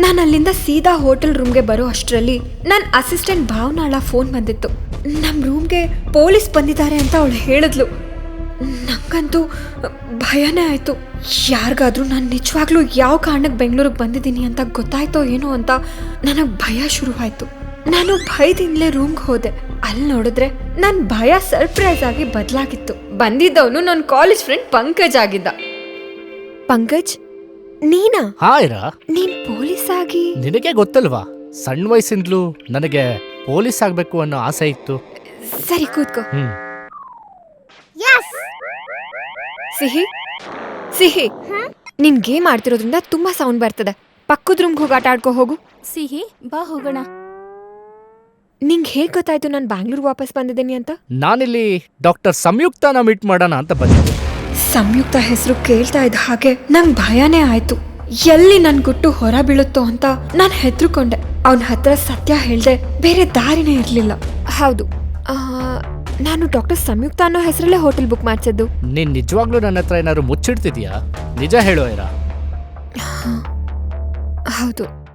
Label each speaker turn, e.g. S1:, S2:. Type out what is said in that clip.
S1: ನಾನು ಅಲ್ಲಿಂದ ಸೀದಾ ಹೋಟೆಲ್ ರೂಮ್ಗೆ ಬರೋ ಅಷ್ಟರಲ್ಲಿ ನನ್ನ ಅಸಿಸ್ಟೆಂಟ್ ಭಾವನಾಳ ಫೋನ್ ಬಂದಿತ್ತು. ನಮ್ಮ ರೂಮ್ಗೆ ಪೊಲೀಸ್ ಬಂದಿದ್ದಾರೆ ಅಂತ ಅವಳು ಹೇಳಿದ್ಲು. ನಂಗಂತೂ ಭಯನೇ ಆಯಿತು. ಯಾರಿಗಾದ್ರೂ ನಾನು ನಿಜವಾಗ್ಲೂ ಯಾವ ಕಾರಣಕ್ಕೆ ಬೆಂಗಳೂರಿಗೆ ಬಂದಿದ್ದೀನಿ ಅಂತ ಗೊತ್ತಾಯ್ತೋ ಏನೋ ಅಂತ ನನಗೆ ಭಯ ಶುರುವಾಯಿತು. ನಾನು ಭಯದಿಂದಲೇ ರೂಮ್ಗೆ ಹೋದೆ. ಅಲ್ಲಿ ನೋಡಿದ್ರೆ ನನ್ನ ಭಯ ಸರ್ಪ್ರೈಸ್ ಆಗಿ ಬದಲಾಗಿತ್ತು. ಬಂದಿದ್ದವನು ನನ್ನ ಕಾಲೇಜ್ ಫ್ರೆಂಡ್ ಪಂಕಜ್ ಆಗಿದ್ದ. ಪಂಕಜ್, ನೀನಾ?
S2: ಹಾಯ್ರಾ,
S1: ನೀನ್ ಪೊಲೀಸ್ ಆಗಿ?
S2: ನಿನಗೆ ಗೊತ್ತಲ್ವಾ, ಸಣ್ಣ ವಯಸ್ಸಿಂದಲೂ ನನಗೆ ಪೊಲೀಸ್ ಆಗ್ಬೇಕು ಅನ್ನೋ ಆಸೆ ಇತ್ತು.
S1: ಸರಿ, ಕೂತ್ಕೋ. ಸಿಹಿ ಸಿಹಿ, ನಿನ್ ಗೇಮ್ ಆಡ್ತಿರೋದ್ರಿಂದ ತುಂಬಾ ಸೌಂಡ್ ಬರ್ತದೆ. ಪಕ್ಕದ ರೂಮ್ಗೆ ಹೋಗಿ ಆಟ ಆಡ್ಕೋ ಹೋಗು.
S3: ಸಿಹಿ, ಬಾ ಹೋಗೋಣ.
S1: ನಿಂಗೆ ಹೇಗೆ ಗೊತ್ತಾಯ್ತು ನಾನು ಬ್ಯಾಂಗ್ಳೂರ್ ವಾಪಸ್ ಬಂದಿದ್ದೀನಿ ಅಂತ?
S2: ನಾನಿಲ್ಲಿ ಡಾಕ್ಟರ್ ಸಂಯುಕ್ತನ ಮೀಟ್ ಮಾಡೋಣ ಅಂತ ಬಂದಿದ್ದೆ.
S1: ಸಂಯುಕ್ತ ಹೆಸರು ಕೇಳ್ತಾ ಇದ್ದ ಹಾಗೆ ನಂಗೆ ಭಯನೇ ಆಯ್ತು. ಎಲ್ಲಿ ನನ್ ಗುಟ್ಟು ಹೊರ ಬೀಳುತ್ತೋ ಅಂತ ನಾನು ಹೆದರ್ಕೊಂಡೆ. ಅವನ ಹತ್ರ ಸತ್ಯ ಹೇಳ್ದೆ ಬೇರೆ ದಾರಿನೇ ಇರ್ಲಿಲ್ಲ. ಹೌದು, ನಾನು ಡಾಕ್ಟರ್ ಸಂಯುಕ್ತ ಅನ್ನೋ ಹೆಸರಲ್ಲೇ ಹೋಟೆಲ್ ಬುಕ್ ಮಾಡ್ಸಿದ್ದು.
S2: ನೀನ್ ನಿಜವಾಗ್ಲೂ ನನ್ನ ಹತ್ರ ಏನಾದ್ರು ಮುಚ್ಚಿಡ್ತಿದ್ಯಾ? ನಿಜ ಹೇಳು ಐರಾ.
S1: ಹೌದು,